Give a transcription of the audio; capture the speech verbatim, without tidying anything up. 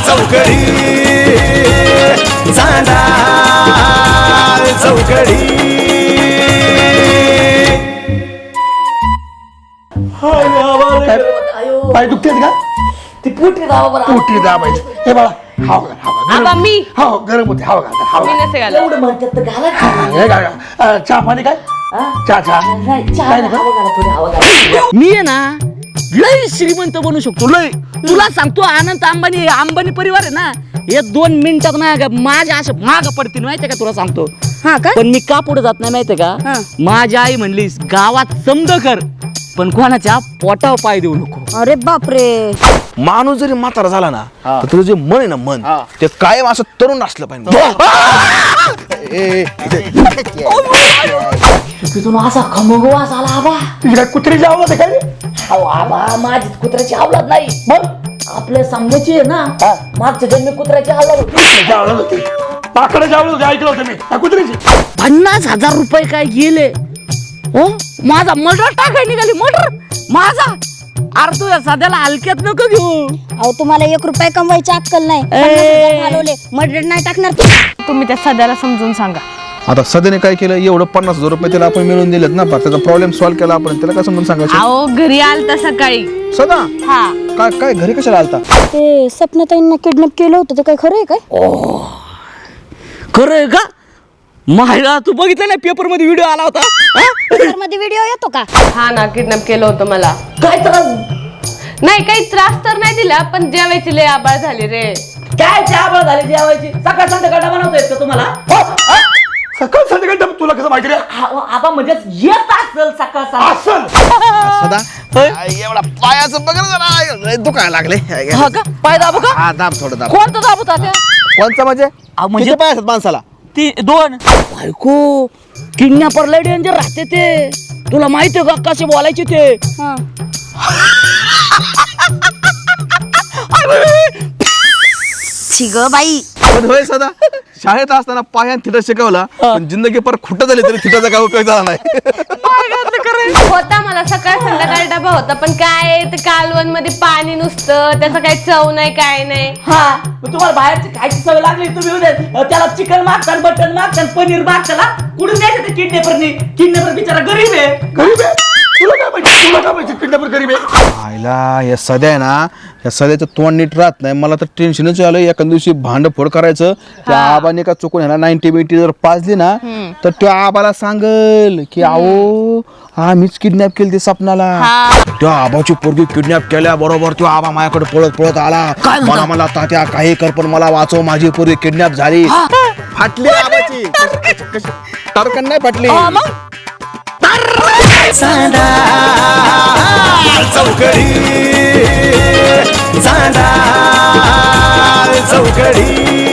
चौकडी चांदा चौकडी पाय दुखतेत का ती पुटी दावा बरं पोटी दाबायची हे बाळा हाव घाल, हाव घाल. आबा मी हो गरम होते हाव घाल, हाव मी घाल. नसे घालत. एवढं म्हणतात तर घाला की. हे घाल, घाल. अं, चहा पाणी काय हा? चहा चहा नाही चहा काय नाही, नका? हवा घाला थोडी हवा घाला. मी आहे ना लय श्रीमंत बनू शकतो लय तुला सांगतो अनंत अंबानी अंबानी परिवार आहे ना हे दोन मिनिटात ना माझ्या अशा माग पडतील माहितीये का तुला सांगतो हा का पण मी का पुढे जात नाही माहितीये हा. का माझी आई म्हणली गावात समज कर पण कोणाच्या पोटावर पाय देऊ नको. अरे बापरे माणूस जरी म्हातारा झाला ना तर तुझं जे मन आहे ना मन ते कायम असं तरुण असलं पाहिजे. ए, ए, इथे. तिथून असा खमगवास आला आबा. तुझी काय कुत्री जावं होतं काय रे? अहो आबा माझी कुत्र्याची आवलाद नाही मग आपल्या समजायची आहे ना मागच्या जन्मी कुत्र्याची आवलाद होती. जावलं होती पाकडं जावलं होतं ऐकलं होतं मी त्या कुत्रीची पन्नास हजार रुपये काय गेले हो माझा मर्डर टाकाय निघाली मर्डर माझा अरे तू या सध्याला हलक्यात नको घेऊ. अहो तुम्हाला एक रुपये कमवायची अक्कल नाही पन्नास हजार घालवले मर्डर नाही टाकणार तू. तुम्ही त्या सध्याला समजून सांगा. आता सध्याने काय केलं एवढं पन्नास हजार रुपये त्याला आपण मिळवून दिलेत ना पण त्याचा प्रॉब्लेम सॉल्व्ह केला आपण त्याला काय समजून सांगायचं. अहो घरी आलता सकाळी सदा हा काय काय घरी कशाला आलता. ते सपनाताईंना किडनॅप केलं होतं ते काय खरं आहे काय खरं आहे का माहिला तू बघितलं ना पेपर मध्ये व्हिडिओ आला होता हा? मध्ये व्हिडिओ येतो का हा ना किडनॅप केलं होतं मला. काय त्रास नाही काही त्रास तर नाही दिला पण जेवायची लय आबाळ झाली रे. काय चहा झाली जेवायची सकाळ संध्याकाळ बनवता येत का तुम्हाला हो, हा? सकाळ संध्याकाळ तुला कसं माहिती रे हा, आबा म्हणजे येत असेल सकाळ संध्याकाळ. असल सदा एवढा पायाचं बघ ना जरा दुखायला लागले. हा का पाय दाबू का हा दाब थोडं दाब. कोणतं दाबू तात्या कोणचा म्हणजे अहो, म्हणजे किती पाय असतात माणसाला. ती दोन बायको किडनॅपर लय डेंजर राहते ते तुला माहितीये का कसे बोलायचे ते हा छिग बाई पण होय सदा शाळेत असताना पायान थिटा शिकवला पण जिंदगी पर खुट झाली तरी थिटाचा काय उपयोग झाला नाही. होता मला सकाळ संध्याकाळ डबा होता पण काय ते कालवण मध्ये पाणी नुसतं त्याचं काही चव नाही काय नाही. हा मग तुम्हाला बाहेरची खायची सवय लागली तुम्ही उद्या त्याला चिकन मागतान मटन मागतान पनीर मागताना कुठून द्यायचं ते किडनॅपरनी. किडनॅपर बिचारा गरीब आहे. गरीब आहे तुला काय माहिती तुला काय माहिती किडनॅपर गरीब आहे. आईला या सध्या आहे ना या सध्याचं तोंड नीट राहत नाही मला तर टेन्शनच आलं. एका दिवशी भांड फोड करायचं त्या आबाने का चुकून ह्याला नाईन्टी बिटी जर पाजली ना तर त्या आबाला सांगल की आओ आम्हीच किडनॅप केली ते सपनाला. त्या आबाची पोरगी किडनॅप केल्या बरोबर तो आबा माझ्याकडे पळत पळत आला मला मला तात्या काही कर पण मला वाचव माझी पोरगी किडनॅप झाली. फाटली आबाची टरकन नाही फाटली. चांदा चौकडी चांदा चौकडी